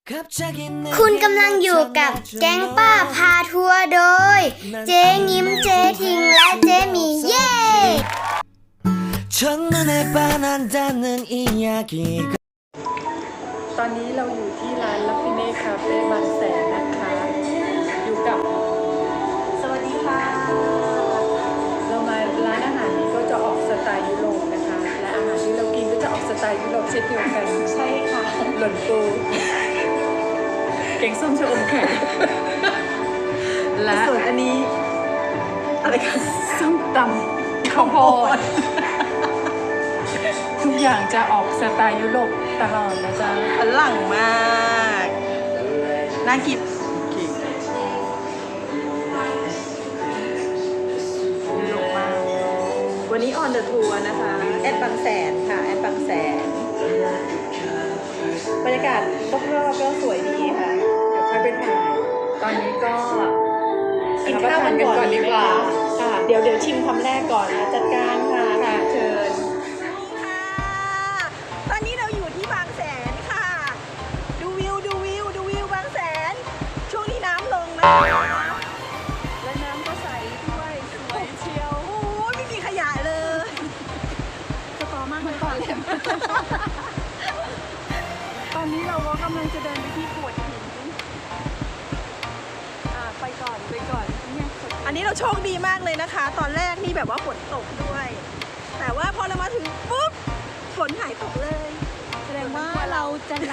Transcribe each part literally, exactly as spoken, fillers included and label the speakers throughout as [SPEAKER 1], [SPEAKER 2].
[SPEAKER 1] คุณกำลังอยู่กับแก๊งป้าพาทัวร์โดยเจ๊งิ้มเจ๊ทิงและเจ๊หมีเย่
[SPEAKER 2] ตอนนี้เราอยู่ที่ร้านลัฟฟิเน่คาเฟ่บางแสนนะคะ อยู่กับสวัสดีค่ะ เรามาร้านอาหารนี้ก็จะออกสไตล์ยุโรปนะคะ และอาหารที่เรากินก็จะออกสไตล์ยุโรปเช่นเดียวกันใช่ค่ะหล่นปูแกงส้มชะอมไข่และส่วนอันนี้อะไรคะส้มตำข้าวโพดทุกอย่างจะออกสไตล์ยุโรปตลอดนะจ๊ะอลังมากน่ากินยุโรปมากวันนี้ออนเดอะทัวร์นะคะแอดบางแสนค่ะแอดบางแสนบรรยากาศรอบๆก็สวยดีค่ะเดี๋ยวค่อยไปถ่ายตอนนี้ก็กินข้าวกันก่อนดีกว่าค่ะเดี๋ยวเดี๋ยวชิมคำแรกก่อนนะจัดการค่ะค่ะเชิญตอนนี้เราอยู่ที่บางแสนค่ะดูวิวดูวิวดูวิวบางแสนช่วงนี้น้ำลงนะและน้ำก็ใสด้วยสวยเชียวโอ้ยไม่มีขยะเลยสตอมากเลยค่ะตอนนี้เราก็กำลังจะเดินไปที่โขดหินอ่าไปก่อนไปก่อนเนี่ยอันนี้เราโชคดีมากเลยนะคะ ตอนแรกนี่แบบว่าฝนตกด้วยแต่ว่าพอเรามาถึงปุ๊บฝนหายตกเลยแสดงว่าเราจะไหล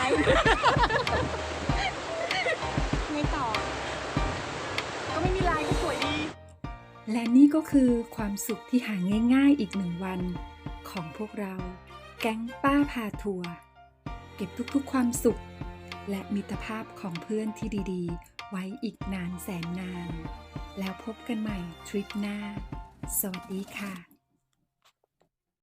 [SPEAKER 2] ไงต่อก็ไม่มีลายก็สวยดี
[SPEAKER 3] และนี่ก็คือความสุขที่หาง่ายๆอีกหนึ่งวันของพวกเราแก๊งป้าพาทัวร์เก็บทุกๆความสุขและมิตรภาพของเพื่อนที่ดีๆไว้อีกนานแสนนานแล้วพบกันใหม่ทริปหน้าสวัสดีค่ะ